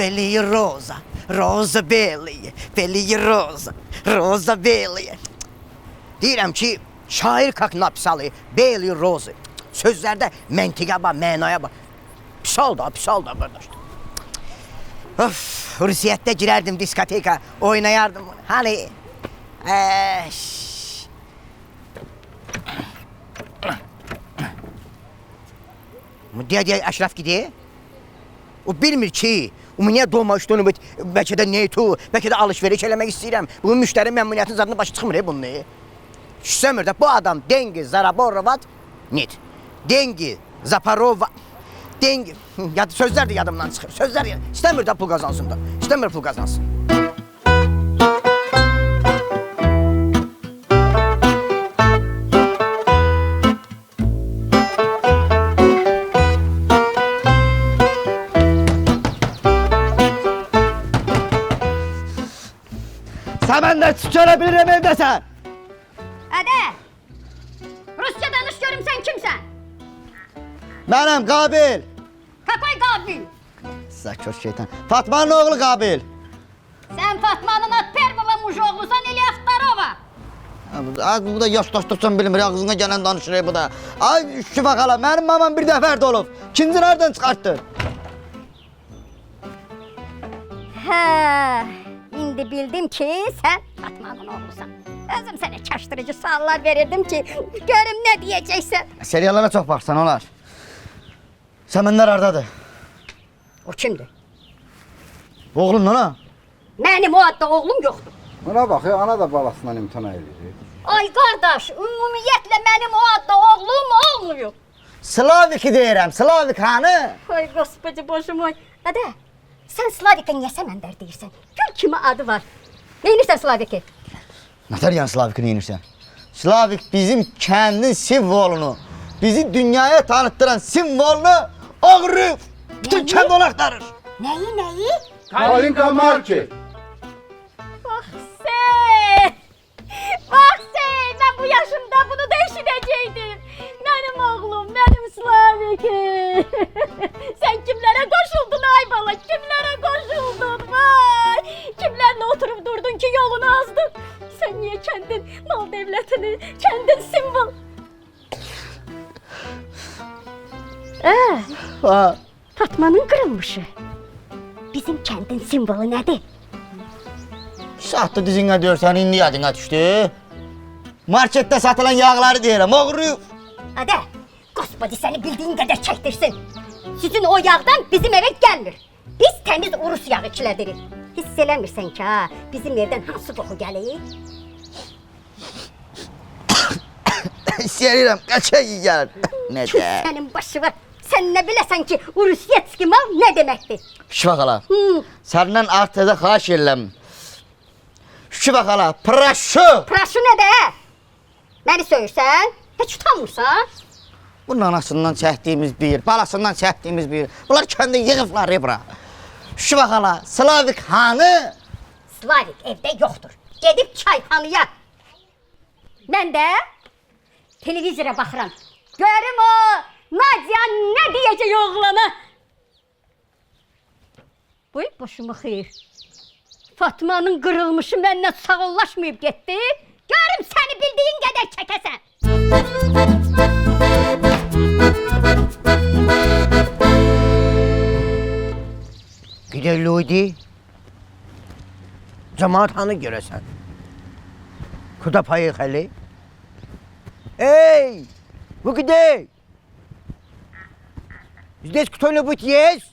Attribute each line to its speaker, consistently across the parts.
Speaker 1: Feliye Rosa, Rosa Belli, Feliye Rosa, Rosa Belli. Deyirəm ki, şair kak napsalı, Belli Rosa. Sözlərdə məntiqə bax, mənaya bax. Pisal da qardaş. Of, Rusiyyətdə girərdim diskoteka, oynayardım bunu. Hani? Deyə Əşrəf gidiyor. O bilmir ki, niyə dolma üstünü, bəlkə də neytu, bəlkə də alışveriş eləmək istəyirəm. Bunun müştəri məmnuniyyətinin zadına başı çıxmır bunun. Şüsəmir də bu adam Dengi Zaraborovat, net. Dengi Zaparova, Dengi, sözlər də yadımdan çıxır. Sözlər istəmir də pul qazansın da, istəmir pul qazansın. Sen de çıkarabilirim evdesən.
Speaker 2: Ədə, Rusça danış görüm sən kimsən?
Speaker 3: Mənim Qabil.
Speaker 2: Какой Qabil?
Speaker 3: Sakoş şeytan. Fatmanın oğlu Qabil.
Speaker 2: Sən Fatmanın at pervova mujoğlusan ili Aftarova.
Speaker 3: Az bu da yaşlaşdıqcan bilmir, ağzına gələn danışır bu da. Ay Şüfa xala, mənim mamam bir dəfər də olub. İkinci nereden çıxartdı?
Speaker 2: Hə, indi bildim ki sən Fatmanın oğlusan. Özüm sənə çaşdırıcı suallar verirdim ki, görüm nə deyəcəksən.
Speaker 3: Seriallara çox baxsan olar. Səmənlər hardadır?
Speaker 2: O kimdir?
Speaker 3: Oğlun ana.
Speaker 2: Mənim o adda oğlum yoxdur.
Speaker 4: Buna bak ya, ana da balasından imtina edir.
Speaker 2: Ay qardaş, ümumiyyətlə mənim o adda oğlum olmuyor.
Speaker 3: Slavik'i deyirəm, Slavik hanı?
Speaker 2: Ay Господи, Bože moj. Ədə, sən Slavikə niyə Səməndər deyirsən? Gör kimi adı var. Neyinirsən Slavik'i?
Speaker 3: Nətər yəni Slavik'i neyinirsən? Slavik bizim kəndin simvolunu, bizi dünyaya tanıttıran simvolunu ağrıyıb. Bütün kənd onu axtarır.
Speaker 2: Nəyi?
Speaker 4: Kalinka Market.
Speaker 2: Bax sən, mən bu yaşımda bunu da eşidəcəkdim. Mənim oğlum, mənim Slavik'im. Sən kimlərə qoşuldun ay bala, kimlərə qoşuldun vay. Kimlərlə oturub durdun ki yolunu azdın. Sən niyə kəndin mal devlətini, kəndin simvol? Fatmanın qırılmışı. Bizim kəndin simvolu nədir?
Speaker 3: Sahtı dizinə deyirsən, indi yadına düşdü. Marketdə satılan yağları deyirəm, oğruyub.
Speaker 2: Ədə, Gospodi səni bildiyin qədər çəkdirsin. Sizin o yağdan bizim evə gəlmir. Biz təmiz Urus yağı içilədirik. Hiss eləmirsən ki, ha, bizim evdən hansı qoxu gəlir?
Speaker 3: İstəyirəm, qaçaq gəlir.
Speaker 2: Küf sənin başı var. Sən nə biləsən ki, Rusyetski mal nə deməkdir?
Speaker 3: Şüfa xala, səndən artıda xahiş edirəm. Şüfa xala, praşu.
Speaker 2: Praşu nədir? Məni söyürsən? Heç utanmırsan?
Speaker 3: Bunun anasından çəkdiyimiz bir, balasından çəkdiyimiz bir. Bunlar kəndə yığıblar bura. Şüfa xala, Slavik hanı?
Speaker 2: Slavik evdə yoxdur. Gedib çayxanaya. Mən də televizora baxıram. Görüm o Nadia nə deyəcək oğlana? Boy boşuma xeyir. Fatmanın qırılmışı məndən sağollaşmayıb getdi. Görüm səni bildiyin qədər çəkəsən.
Speaker 1: Gider Ludi. Cemaat hanı görəsən? Kuda payı xəli. Ey! Bu где? Здесь кто-нибудь есть?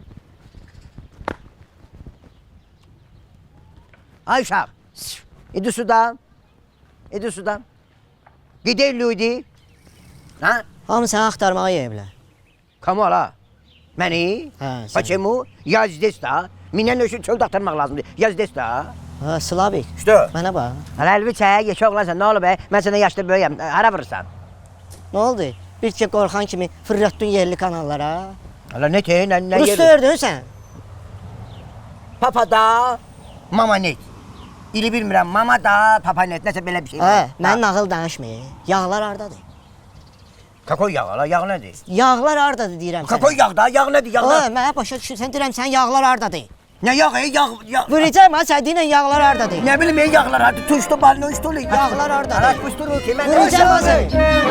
Speaker 1: Ayşap, иди сюда. İdi sudan. Gider Ludi. Ha?
Speaker 5: Hamı səni axtarmağa yeyiblər.
Speaker 1: Kamal ha. Məni?
Speaker 5: Hə, sən.
Speaker 1: Почему? Я здесь da. Minən üçün çöldə axtarmaq lazımdır. Ya здесь da.
Speaker 5: Ha, Slavik.
Speaker 1: İşte.
Speaker 5: Mənə bax.
Speaker 1: Hələ əlvi çək, yeşə oğlansan, nə olub be? Mən sənə yaşlı böyüyəm, hara vurursan?
Speaker 5: Nə oldu? Bir ki qorxan kimi fırlatdın yerli kanallara.
Speaker 1: Hələ nə tey, nə
Speaker 5: Rus ördün sən.
Speaker 1: Papa da, mama net. İli bilmirəm, mama da, papa net, nəsə belə bir şey var.
Speaker 5: Hə, mən nağıl danışmayı. Yağlar hardadır?
Speaker 1: Kakoy yağı la, yağ nədir?
Speaker 5: Yağlar hardadır deyirəm sənə.
Speaker 1: Kakoy yağ da, yağ nədir, yağ
Speaker 5: Ha,
Speaker 1: nədir?
Speaker 5: mənə başa düşürsən, deyirəm sən yağlar hardadır?
Speaker 1: Ne yağı, yağ.
Speaker 5: Vuracağım ha sədiylə yağlar hardadır?
Speaker 1: Ne bileyim yağlar hadi tuştu balını uçtu.
Speaker 5: Yağlar orada.
Speaker 1: Araşmıştır o ki.
Speaker 5: Vuracağım ha səni.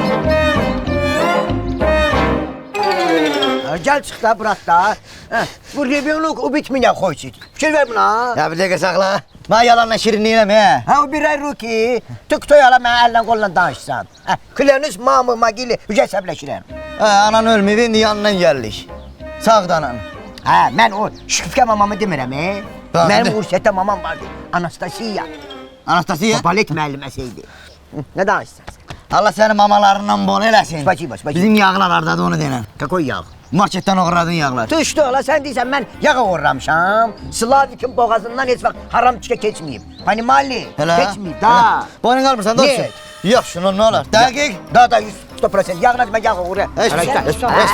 Speaker 1: Gel çık da bırak da. Bu reviyonluk o bitmeye koysun. Fikir ver buna.
Speaker 3: Ya bir dəqiqə saxla. Mən yalanla şirinliğine mi?
Speaker 1: Ha o bir ay ruki. Tık ala mən əllə qolla danışsan. Kleriniz mamı magili hücəsəbləşirəm.
Speaker 3: Anan ölməyib, indi yanından gəldik. Sağda anan.
Speaker 1: Ha mən o şifkə mamamı demirəm.
Speaker 3: Tamam,
Speaker 1: Mənim
Speaker 3: de.
Speaker 1: Ursiyətdə mamam vardı. Anastasiya.
Speaker 3: Anastasiya.
Speaker 1: O balet müəlliməsiydi. Ne danışsan?
Speaker 3: Allah sənin mamalarından bol eləsin.
Speaker 1: Spasibo, spasibo.
Speaker 3: Bizim yağlar hardadır onu denən.
Speaker 1: Kakoy yağ.
Speaker 3: Marketdən uğradın yağlar.
Speaker 1: Tuşdu ola sen deyirsən mən yağa uğramışam. Slavikin boğazından heç vaxt haram çikə keçməyib. Hani mali keçməyib da.
Speaker 3: Boynun qalmırsan
Speaker 1: Ne?
Speaker 3: dostum. Yox şunu nə olar? Dəqiq.
Speaker 1: Da 100% yağına mən yağa uğra.
Speaker 3: Heç bir şey.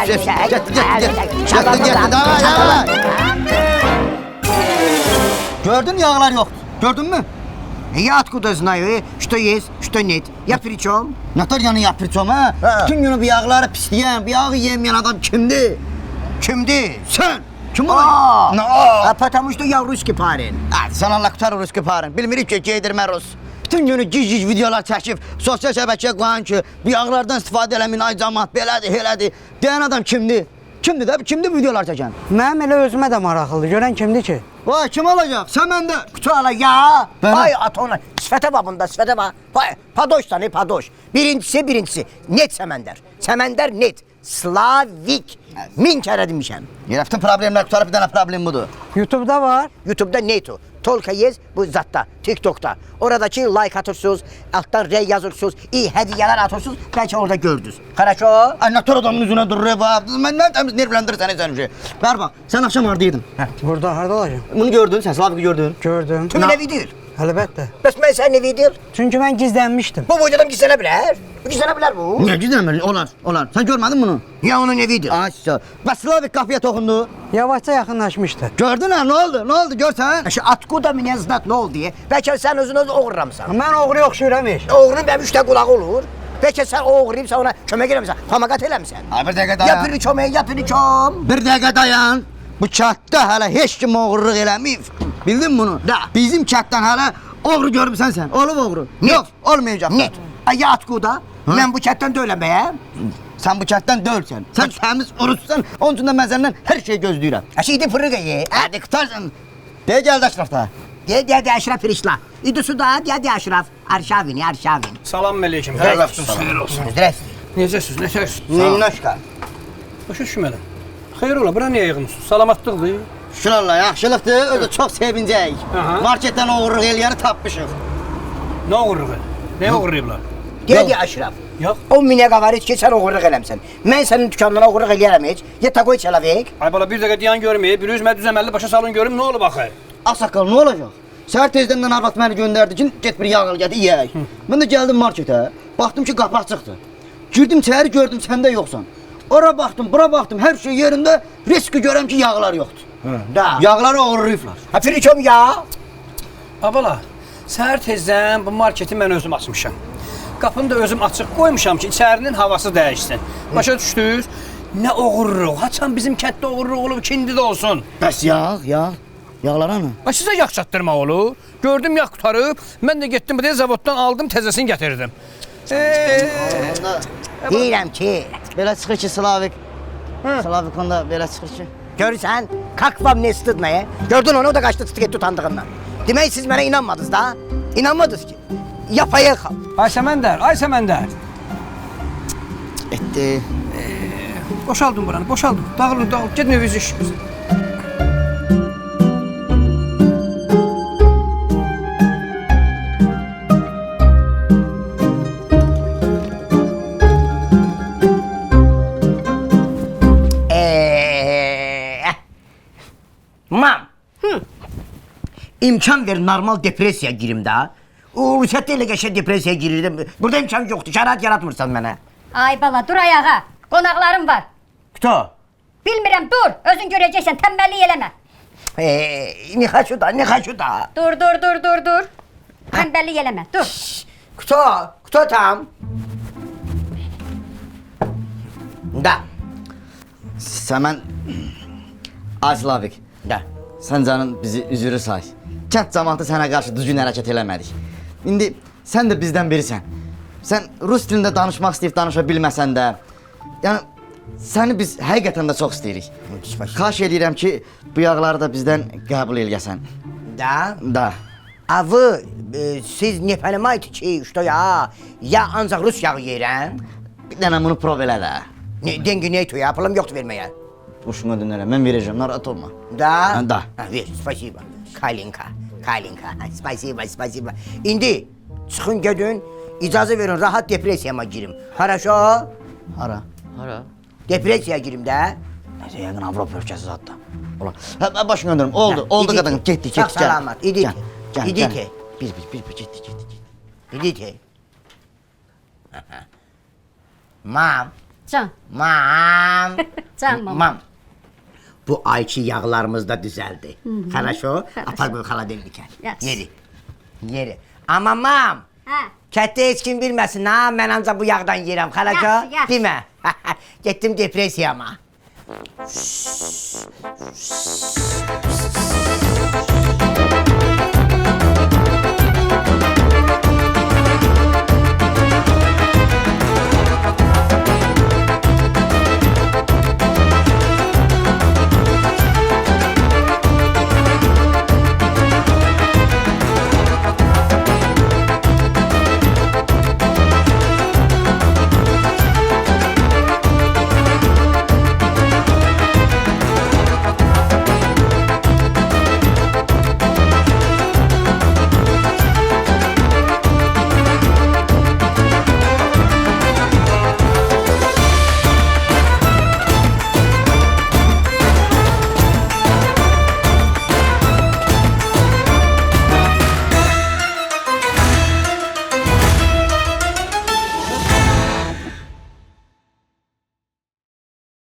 Speaker 3: Getdi. Davay. Gördün yağlar yoxdur. Gördün mü?
Speaker 1: Я откуда знаю, что есть, что нет. Я при чем?
Speaker 3: Natalyanı yapırçam ha?
Speaker 1: Ha.
Speaker 3: Bütün günü bu yağları pisləyən, bu yağı yemeyen adam kimdir?
Speaker 1: Kimdi?
Speaker 3: Sen. Kim
Speaker 1: Aa,
Speaker 3: o?
Speaker 1: потому что я rусский parень.
Speaker 3: Hadi sen Allah kurtar Rus kiparın. Bilmirik ki giydirmə Rus. Bütün günü gic videolar çəkib, sosial şəbəkəyə qoyan ki, bu yağlardan istifadə eləmin, ay cəmaat, belədir, elədir. Deyən adam kimdir? Kimdir də? Kimdir videolar çəkən?
Speaker 5: Mənim elə özümə də maraqlıdır. Görən kimdir ki?
Speaker 3: Vay kim olacaq? Sen məndə.
Speaker 1: Kutuala ya.
Speaker 3: Ben-
Speaker 1: Vay atona. Sifete bak bunda, sifete bak. Vay, padoş da ne padoş. Birincisi. Net semender. Semender net. Slavik. Min kere demişim.
Speaker 3: Yeraftin problemlər qutarıb bir dənə problem budur.
Speaker 5: YouTube-da var.
Speaker 1: YouTube'da neto. Tolka yez bu zatta. TikTok'ta. Oradaki like atırsınız. Alttan rey yazırsınız. İyi hediyeler atırsınız. Belki orada gördünüz. Хорошо.
Speaker 3: Ay nator adamın üzünə durur bax. Mən təmiz nervləndirirsən sən şey. Ver bax. Sən axşam hardaydın?
Speaker 5: Burada harda olacağım?
Speaker 3: Bunu gördün, sən Slaviki gördün.
Speaker 5: Gördüm.
Speaker 1: Tüm ne video?
Speaker 5: Əlbəttə.
Speaker 1: Bəs mən sən ne video?
Speaker 5: Çünki mən gizlənmişdim.
Speaker 1: Bu boydadan gizlenebilir. Gizlenebilir bu.
Speaker 3: Niyə gizləmir? Olar. Sən görmədin bunu?
Speaker 1: Ya onun ne video?
Speaker 3: Aşağı. Bəs Slavik qapıya toxundu.
Speaker 5: Yavaşca yaxınlaşmışdı.
Speaker 3: Gördün ha? Nə oldu? Nə oldu? Görsən?
Speaker 1: Şu atkuda mı ne znat ne oldu diye. Belki sen özün oğurlamsan.
Speaker 5: Mən oğru oxşuyuram iş.
Speaker 1: Oğrun benim üçte kulağı olur. Belki sen oğurlayıp sen ona kömek eləmişsən. Famagat eləmişsən.
Speaker 3: Ay bir dəqiqə
Speaker 1: Ya
Speaker 3: dayan.
Speaker 1: piri çömeği ya piri çöm.
Speaker 3: Bir dəqiqə dayan. Bu kətdə hələ heç kim oğurluq eləməyib. Bildin bunu?
Speaker 1: Da.
Speaker 3: Bizim kətdən hələ oğru görmüsən sən. Olub oğru.
Speaker 1: Net.
Speaker 3: Yox, olmayacaq.
Speaker 1: Net. Ay ya atkuda. Ben bu chatten de ölemeyim.
Speaker 3: Sən bu kətdən dölsən. Sən təmiz oruçsan. Onun üçün də mən səndən hər şey gözləyirəm.
Speaker 1: Aşıydı fırığı ye.
Speaker 3: Hadi qutarsan. De gəldi Əşrafda.
Speaker 1: De Aşraf Firişla. İdi suda de Aşraf. Arşavini.
Speaker 6: Salam aleyküm. Xeyir olsun.
Speaker 1: Здравствуй.
Speaker 6: Necəsiz? Nətərsiniz?
Speaker 3: Minnoşka.
Speaker 6: Başa düşmədim. Xeyir ola, bura niyə yığılmısınız? Salamatlıqdır.
Speaker 3: Şükür Allah, yaxşılıqdır. Özü çox sevincək.
Speaker 6: Aha.
Speaker 3: Marketdən oğurluq eləyəni tapmışıq.
Speaker 6: Nə uğurluğu? Nə uğurlayıblar?
Speaker 1: De Aşraf.
Speaker 6: Yox.
Speaker 1: O mine var ki sen oğurluq eləmsən. Mən sənin dükanına oğurluq eləyərəm heç. Ya takoy çalavik.
Speaker 6: Ay bala bir dəqiqə dayan görməyib, bir üzmə düzəməlli başa salın görüm nə olub axı?
Speaker 3: Ağsaqqal, nə olacaq? Səhər tezdən arvad məni göndərdi ki, get bir yağ al, gətir yeyək. Mən də gəldim marketə, baxdım ki, qapı açıqdır. Girdim içəri, gördüm sən də yoxsan. Ora baxdım, bura baxdım, hər şey yerində, riski görəm ki, yağlar yoxdur.
Speaker 1: Da.
Speaker 3: Yağları oğurlayıblar.
Speaker 1: Ha Firiçom ya.
Speaker 6: A bala, səhər tezdən bu marketi mən özüm açmışam. Qapını da özüm açıq qoymuşam ki, içərinin havası dəyişsin. Başa düşdünüz? Nə oğurluq? Haçan bizim kənddə oğurluq olub, kindi də olsun.
Speaker 3: Bəs yağ. Yağlar hanı?
Speaker 6: Ay sizə yağ çatdırmaq olur. Gördüm yağ qutarıb, mən də getdim bu zavoddan aldım, təzəsini gətirdim.
Speaker 1: Deyirəm ki.
Speaker 3: Belə çıxır ki, Slavik. Slavik onda belə çıxır ki.
Speaker 1: Görürsən, как вам не стыдно ya? Gördün onu, o da kaçtı tık etti utandığından. Demek siz bana inanmadınız da. İnanmadınız ki. Yapaya kal.
Speaker 6: Ay Səməndər.
Speaker 3: Etdi.
Speaker 6: Boşaldım buranı, boşaldım. Dağılın. Gedin evinizi işinizi.
Speaker 1: Mam. İmkan ver normal depresiya girim da. O Rusiyatta elə qəşəng depresiya girirdim. Burada imkan yoxdur. Şərait yaratmırsan mənə.
Speaker 2: Ay bala dur ayağa. Qonaqlarım var.
Speaker 1: Kto?
Speaker 2: Bilmirəm dur. Özün görəcəksən. Tənbəllik eləmə.
Speaker 1: Ne хочу da.
Speaker 2: Dur. Tənbəllik eləmə. Dur.
Speaker 1: Kto tam? Da.
Speaker 3: Səmən... Ay Slavik.
Speaker 1: Da.
Speaker 3: sən canın bizi üzürü say. Kənd cəmaatı sənə qarşı düzgün hərəkət eləmədik. İndi sən də bizdən birisən. Sən rus dilində danışmaq istəyib danışa bilməsən də, yəni səni biz həqiqətən də çox istəyirik. Xahiş edirəm ki, bu yağları da bizdən qəbul eləyəsən.
Speaker 1: Da. А вы, siz ne понимаете ki, что ya ancaq Rus yağı yeyirəm?
Speaker 3: Bir dənə bunu prov elə də.
Speaker 1: Dengi neytu ya, pulum yoxdur verməyə.
Speaker 3: Boşuna dönərəm, mən verəcəm, narahat olma.
Speaker 1: Da?
Speaker 3: Da.
Speaker 1: Ver, spasiba. Kalinka. Spasiba. İndi çıxın gedin, icazə verin, rahat depressiyama girim. Хорошо?
Speaker 3: Hara?
Speaker 1: Depressiyaya girim də.
Speaker 3: Nəsə, yəqin Avropa ölkəsi zadda. Ola. Hə, başına dönürüm, oldu qadın, getdik,
Speaker 1: Sağ salamat, idite.
Speaker 3: Gel. Bir, getdik.
Speaker 1: İdite. Mam.
Speaker 2: Can. Can mama.
Speaker 1: Mam. Bu ayçi yağlarımız da düzeldi. Хорошо? Apar bu xaladelnikə.
Speaker 2: Yaxşı.
Speaker 1: Yeri. Amma mam.
Speaker 2: Hə.
Speaker 1: Kətdə heç kim bilməsin ha, mən ancaq bu yağdan yeyirəm. Xalaca,
Speaker 2: Yaxşı.
Speaker 1: demə. Getdim depressiyama.